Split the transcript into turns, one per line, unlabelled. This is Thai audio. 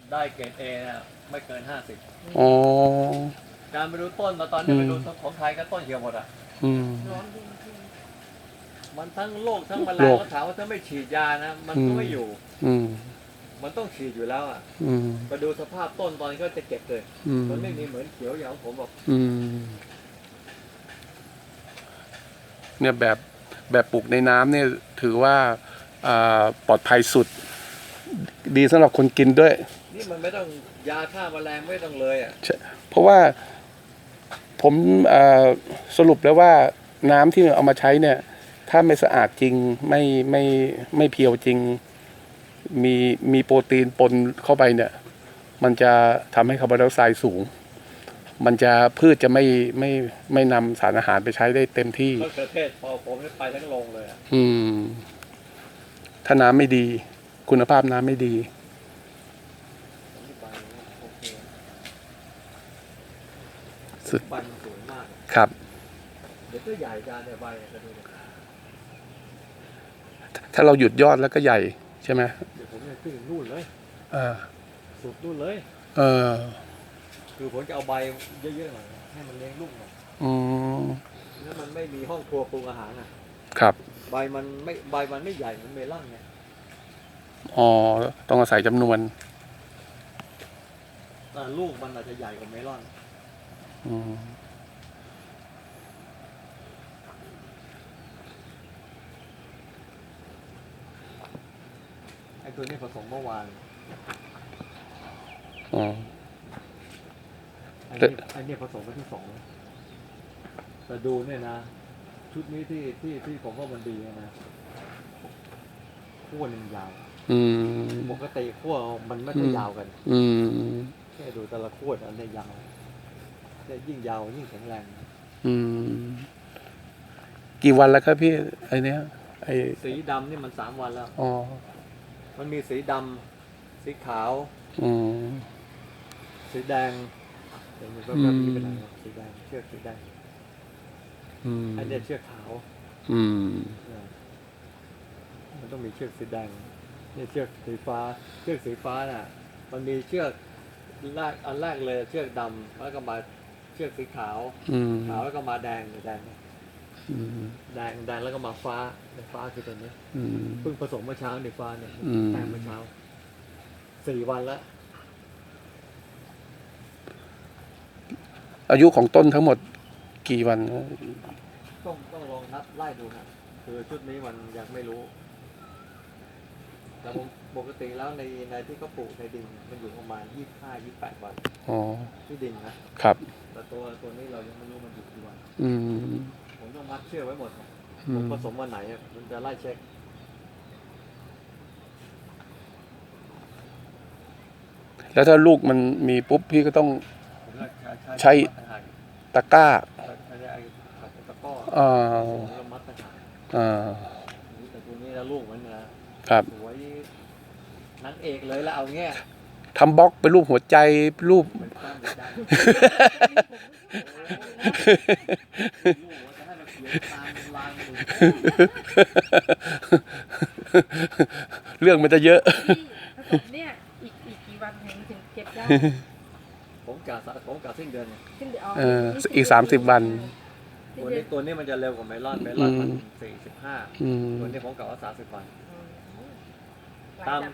ได้เกรดเอนะไม่เกิน50
อ๋อ
การไปดูต้นมาตอนนี้ไปดูของไทยก็ต้นเหี่ยวหมดอ่ะ
อืม
มันทั้งโรคทั้งแมล
โรง ค
ก็ถามว่าถ้าไม่ฉีดยานะมันก็ไม่อยู่
อืม
มันต้องฉีดอยู่แล้วอ่ะ
อืม
ไปดูสภาพต้นตอนนี้ก็จะเก็บเลย
อืม
มันไม่มีเหมือนเขียวอย่างของผมบอก
อืมเนี่ยแบบปลูกในน้ำเนี่ยถือว่าปลอดภัยสุด ดีสำหรับคนกินด้วย
นี่มันไม่ต้องยาฆ่าแมลงไม่ต้องเลยอ่ะ
เพราะว่าผมสรุปแล้วว่าน้ำที่เอามาใช้เนี่ย ถ้าไม่สะอาดจริงไม่เพียวจริง มีโปรตีนปนเข้าไปเนี่ย มันจะทำให้คาร์บอนไดออกไซด์สูง มันจะพืชจะไม่นำสารอาหารไปใช้ได้เต็มที่
มะเขือเทศพอผมไปทั้งโรงเลยอ่ะ
อืม ถ้าน้ำไม่ดี คุณภาพน้ำไม่ดี
ผมที่ไปโอเค
สุด
ใบมันสวยมาก
ครับ
เดี๋ยวก็ใหญ่จานเนี่ยใบจะดูดิ
ถ้าเราหยุดยอดแล้วก็ใหญ่ใช่ไหม
เดี๋ยวผมจะขึ้นนู่นเลย
เออ
สุดนู่นเลย
เออ
คือผมจะเอาใบเยอะๆหน่อยให้มันเลี้ยงลูกหน่อย
อืม
แล้วมันไม่มีห้องครัวปรุงอาหารอ่ะ
ครับ
ใบมันไม่ใหญ่เหมือนเมลอนไง
อ๋อ ต้องอาศัยจำนวน
แต่ลูกมันอาจจะใหญ่กว่าเมลอน
อืม
ไอ้ตัวนี้ผสมเมื่อวาน
อ๋อ
ไอ้นี่ผสมไปที่2แต่ดูเนี่ยนะ ชุดนี้ที่ผมว่ามันดีนะขั้วหนึ่งยาว
อืม
ปกติขั้วมันไม่ค่อยยาวกัน
อืม
แค่ดูแต่ละขั้วอันเนี้ยยาวเนี่ยยิ่งยาวยิ่งแข็งแรง
อืม กี่วันแล้วครับพี่ ไอเนี้ย ไอ
สีดำนี่มัน3 วันแล้ว
อ๋อ
มันมีสีดำสีขาว
อืม
สีแดงเดี๋ยวมันก็
อืม
มีเป็นอะไรนะสีแดงเชือกสีแดง
อืม
ไอ้เนี่ยเชือกขาว
อืม
เนี่ยมันต้องมีเชือกสีแดงนี่เชือกสีฟ้า เชือกสีฟ้าน่ะ มันมีเชือกอันแรกเลยเชือกดำแล้วก็มาเชือกสีขาว
อืม
ขาวแล้วก็มาแดงแดง
อืม
แดงแล้วก็มาฟ้าฟ้าคือตัวนี้
อืม
เพิ่งผสมเมื่อเช้าในฟ้าเนี่ย
อืม
แปลงเมื่อเช้า4 วันแล้ว
อายุของต้นทั้งหมดกี่วัน
ต้องลองนับไล่ดูนะคือชุดนี้มันยังไม่รู้ แต่ปกติแล้วในที่เขาปลูกในดินมันอยู่ประมาณ25-28 วัน
อ๋อ
ที่ดินนะ
ครับ
แต่ตัวนี้เรายังไม่รู้มันอยู่กี่วัน
อืม
ผมต้องมัดเชือกไว้หมดนะ
อื
ผม
ม
ผสมวันไหนอะมันจะไล่เช็ค
แล้วถ้าลูกมันมีปุ๊บพี่ก็ต้อง
ผมจะ
ใช้
มัดต่างหาก
ตะกร้า
ใช้ไอ้ขัดตะกร้อ
อ่า
แล้วมัดต่างหาก
อ่า
แต่ตัวนี้นะลูกมันนะครับ สวยนางเอกเลยแล้วเอาเงี้ย
ทำบล็อกเป็นรูปหัวใจรูป
เป็นตั้งเป็นดังลูกว่าจะให้เราเขียนตามลายมือ
เรื่องมันจะเยอะ
ผสมเนี่ยอีกกี่วันถึงเก็บได้
ผมกะสิ้นเดือนเนี่ย
ขึ้นเดี๋ยว
อีก30 วัน
ตัวนี้มันจะเร็วกว่าเมลอนมัน45
อืม
ตัวนี้ผมกะว่า30 วัน
ตาม